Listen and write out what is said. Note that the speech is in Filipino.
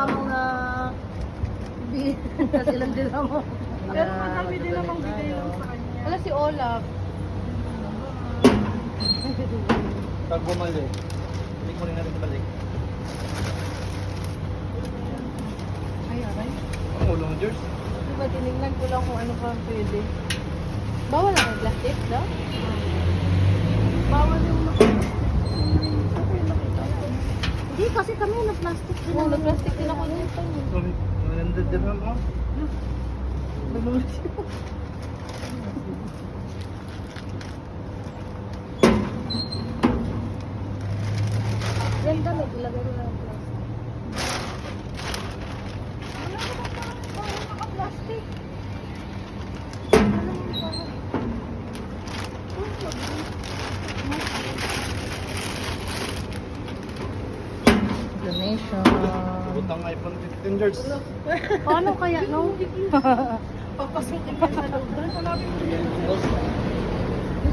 mamang na kasi ilang din mo. Pero madami din namang bigay lang sa kanya. Wala si Olaf. Pag bumalik, balik mo rin natin balik. Ay, aray. Ang ulong George. Diba, tinignan ko lang kung ano pa pwede. Bawal na may plastic, no? Bawal yung nakita ko. Hindi, kasi kami na-plastic din. Oo, na-plastic din ako dito. Sorry, 100 dirham oh. Nanulis siya. Yan damit, ilagay mo lang plastic. Wala naman parang naka-plastic. Donation. Butang iPhone 15 George. Paano kaya, no? Papasukin ka sa loob. Hanapin mo yun.